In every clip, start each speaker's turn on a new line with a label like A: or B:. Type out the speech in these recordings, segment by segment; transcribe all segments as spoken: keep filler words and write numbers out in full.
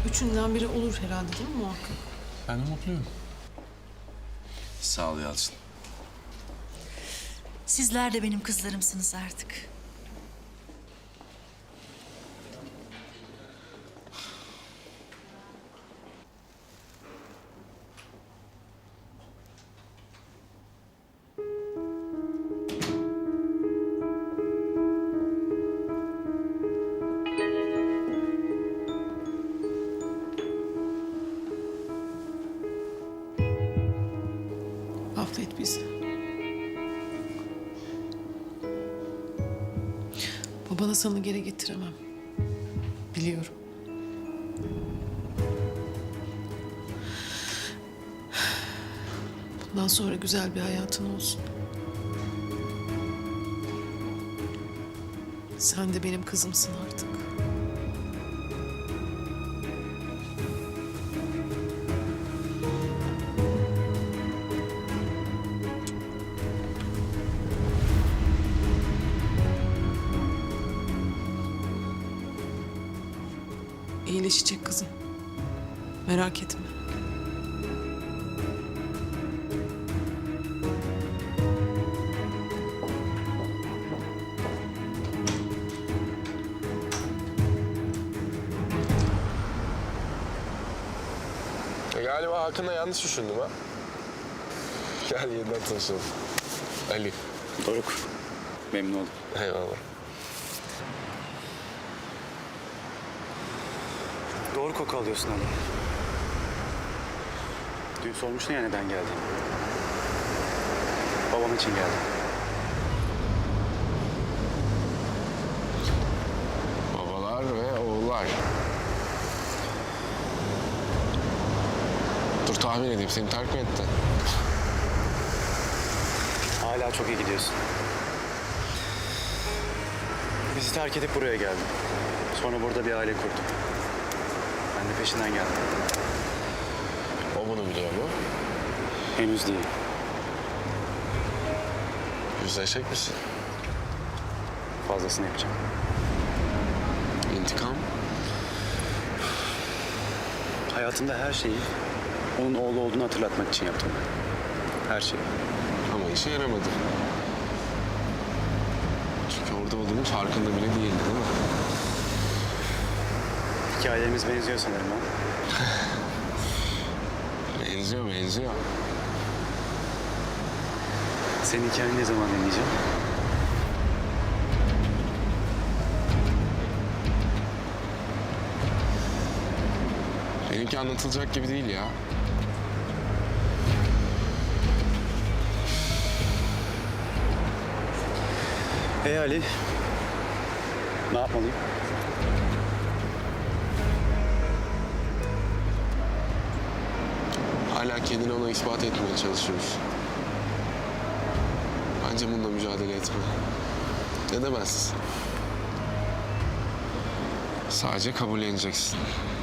A: Üçünden biri olur herhalde değil mi muhakkak?
B: Ben de mutluyum.
C: Sağ ol Yalçın.
D: Sizler de benim kızlarımsınız artık.
A: Affet bizi. Babana sana geri getiremem. Biliyorum. Bundan sonra güzel bir hayatın olsun. Sen de benim kızımsın artık. İyileşecek kızım. Merak etme.
B: E, galiba Hakan'la yanlış düşündüm ha. Gel yeniden tanışalım. Ali.
E: Doruk. Memnun oldum.
B: Eyvallah.
E: Doğru koku alıyorsun Ali. Dün sormuştun ya neden geldiğini. Babam için geldim.
B: Babalar ve oğullar. Dur tahmin edeyim, seni terk mi etti?
E: Hala çok iyi gidiyorsun. Bizi terk edip buraya geldim. Sonra burada bir aile kurdum. Ben de peşinden geldim.
B: O bunu biliyor mu?
E: Henüz değil.
B: Yüzleşecek misin?
E: Fazlasını yapacağım.
B: İntikam?
E: Hayatımda her şeyi onun oğlu olduğunu hatırlatmak için yaptım. Her şeyi.
B: Ama işe yaramadı. Çünkü orada olduğunun farkında bile değildi, değil mi?
E: Hikayelerimiz benziyor sanırım ha.
B: Benziyor, benziyor.
E: Senin hikayeni ne zaman dinleyeceğim?
B: Benimki anlatılacak gibi değil ya.
E: Hey Ali. Ne yapmalıyım?
B: Hala kendini ona ispat etmeye çalışıyoruz. Bence bununla mücadele etme. Edemezsin. Sadece kabulleneceksin.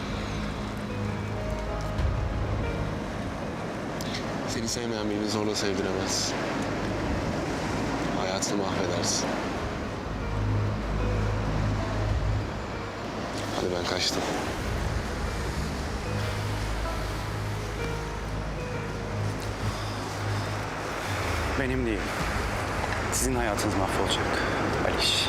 B: Seni sevmeyen birini zorla sevdiremezsin. Hayatını mahvedersin. Hadi ben kaçtım.
E: Benim değil. Sizin hayatınız mahvolacak. Aliş.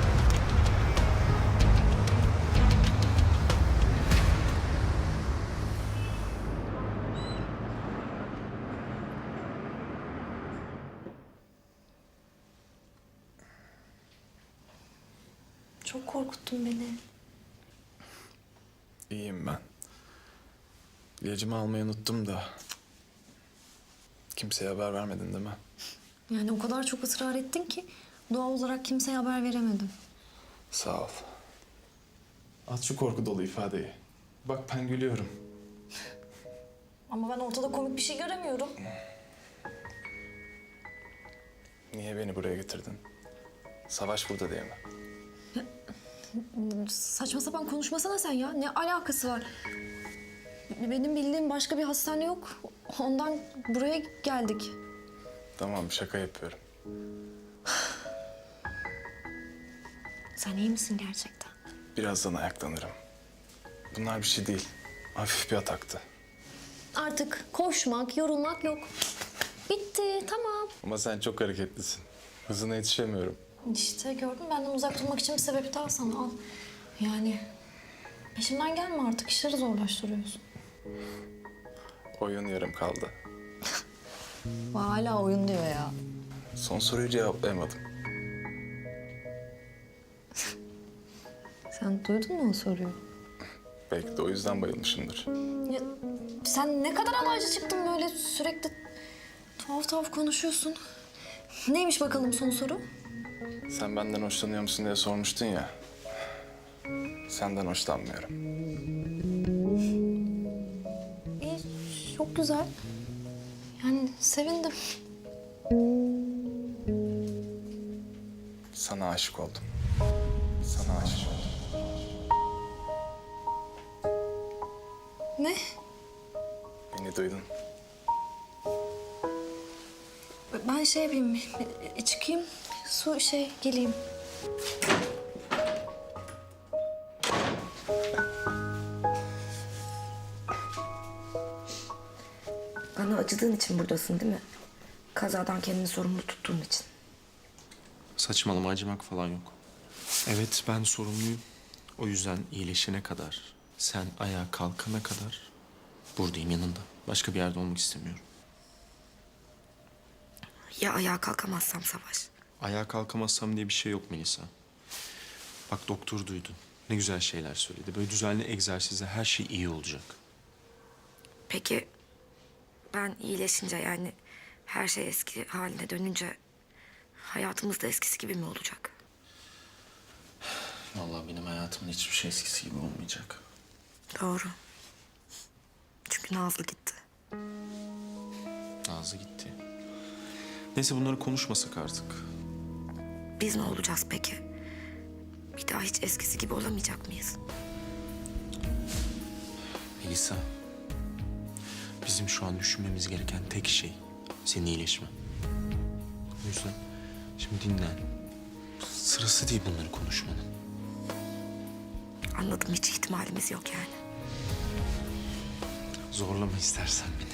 F: Çok korkuttun beni.
G: İyiyim ben. İlacımı almayı unuttum da. Kimseye haber vermedin değil mi?
F: Yani o kadar çok ısrar ettin ki doğal olarak kimseye haber veremedim.
G: Sağ ol. At şu korku dolu ifadeyi. Bak ben gülüyorum.
F: Ama ben ortada komik bir şey göremiyorum.
G: Niye beni buraya getirdin? Savaş burada diye mi?
F: Saçma sapan konuşmasana sen ya. Ne alakası var? Benim bildiğim başka bir hastane yok. Ondan buraya geldik.
G: Tamam şaka yapıyorum.
F: Sen iyi misin gerçekten?
G: Birazdan ayaklanırım. Bunlar bir şey değil. Hafif bir ataktı.
F: Artık koşmak, yorulmak yok. Bitti, tamam.
G: Ama sen çok hareketlisin. Hızına yetişemiyorum.
F: İşte gördün, benden uzak durmak için bir sebep daha sana al. Yani peşimden gelme artık, işleri zorlaştırıyorsun.
G: Oyun yarım kaldı.
F: Hala oyun diyor ya.
G: Son soruyu cevaplayamadım.
F: Sen duydun mu o soruyu?
G: Belki de o yüzden bayılmışımdır.
F: Ya, sen ne kadar alaycı çıktın böyle sürekli tuhaf tuhaf konuşuyorsun. Neymiş bakalım son soru?
G: Sen benden hoşlanıyor musun diye sormuştun ya. Senden hoşlanmıyorum.
F: İyi, çok güzel. Yani sevindim.
G: Sana aşık oldum. Sana aşık oldum.
F: Ne?
G: Beni duydun.
F: Ben şey yapayım, e, çıkayım, su şey geleyim.
H: Bana acıdığın için buradasın değil mi? Kazadan kendini sorumlu tuttuğun için.
C: Saçmalama, acımak falan yok. Evet, ben sorumluyum. O yüzden iyileşene kadar, sen ayağa kalkana kadar buradayım yanında. Başka bir yerde olmak istemiyorum.
H: Ya ayağa kalkamazsam Savaş?
C: Ayağa kalkamazsam diye bir şey yok Melisa. Bak doktor duydun. Ne güzel şeyler söyledi. Böyle düzenli egzersizle her şey iyi olacak.
H: Peki ben iyileşince, yani her şey eski haline dönünce hayatımız da eskisi gibi mi olacak?
C: Vallahi benim hayatımın hiçbir şey eskisi gibi olmayacak.
H: Doğru. Çünkü Nazlı gitti.
C: Nazlı gitti. Neyse bunları konuşmasak artık.
H: Biz ne olacağız peki? Bir daha hiç eskisi gibi olamayacak mıyız?
C: Melisa, bizim şu an düşünmemiz gereken tek şey senin iyileşmen. O yüzden şimdi dinlen. Sırası değil bunları konuşmanın.
H: Anladım, hiç ihtimalimiz yok yani.
C: Zorlama istersen beni.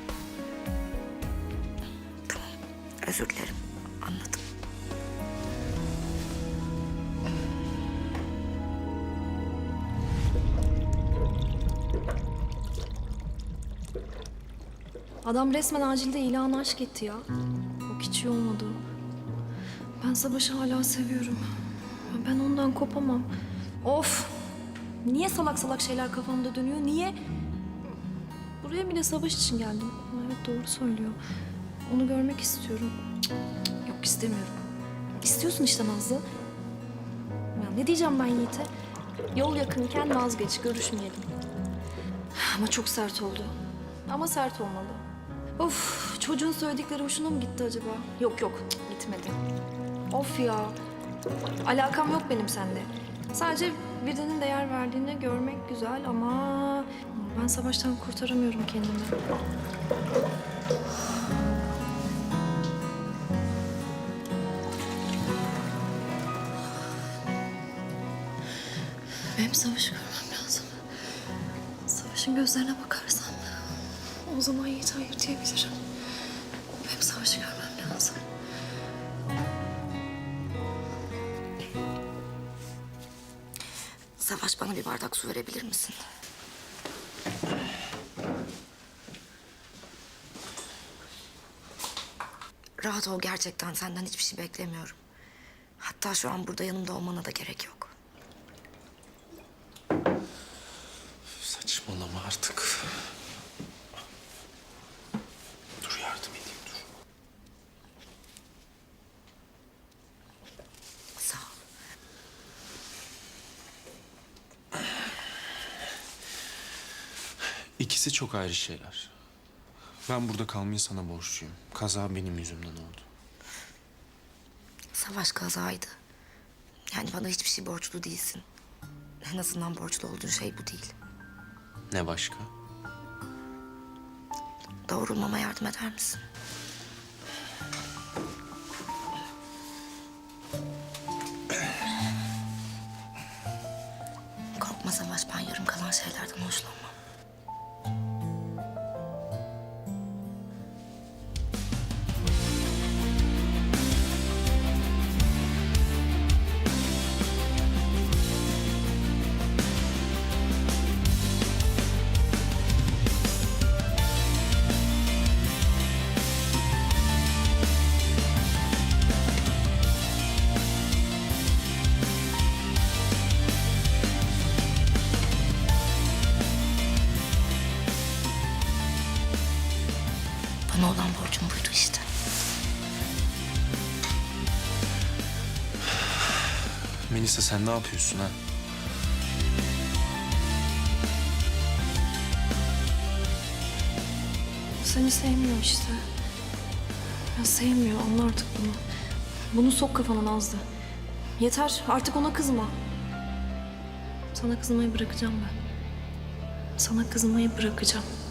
H: Tamam, özür dilerim. Anladım.
F: Adam resmen acilde ilan aşk etti ya. Yok, hiç iyi olmadı. Ben Savaş'ı hala seviyorum. Ben ondan kopamam. Of! Niye salak salak şeyler kafamda dönüyor? Niye? Buraya bile Savaş için geldim. Evet, doğru söylüyor. Onu görmek istiyorum. Cık, cık, Yok, istemiyorum. İstiyorsun işte Nazlı. Ya ne diyeceğim ben Yiğit'e? Yol yakınken vazgeç, görüşmeyelim. Ama çok sert oldu. Ama sert olmalı. Of, çocuğun söyledikleri hoşuna mı gitti acaba? Yok yok, cık, gitmedi. Of ya. Alakam yok benim seninle. Sadece birinin değer verdiğini görmek güzel ama ben Savaş'tan kurtaramıyorum kendimi. Benim Savaş'ı görmem lazım. Savaş'ın gözlerine bakarsam o zaman Yiğit hayır diyebilirim. Benim Savaş'ı görmem lazım.
H: Savaş, bana bir bardak su verebilir misin? Rahat ol, gerçekten senden hiçbir şey beklemiyorum. Hatta şu an burada yanımda olmana da gerek yok.
C: Saçmalama artık. Dur yardım edeyim dur.
H: Sağ ol.
C: İkisi çok ayrı şeyler. Ben burada kalmayı sana borçluyum. Kaza benim yüzümden oldu.
H: Savaş kazaydı. Yani bana hiçbir şey borçlu değilsin. En azından borçlu olduğun şey bu değil.
C: Ne başka?
H: Doğrulmama yardım eder misin? Korkma Savaş, ben yarım kalan şeylerden hoşlanmam. Ona olan borcum buydu işte.
C: Melisa sen ne yapıyorsun ha?
F: Seni sevmiyor işte. Ya sevmiyor, anla artık bunu. Bunu sok kafana Nazlı. Yeter, artık ona kızma. Sana kızmayı bırakacağım ben. Sana kızmayı bırakacağım.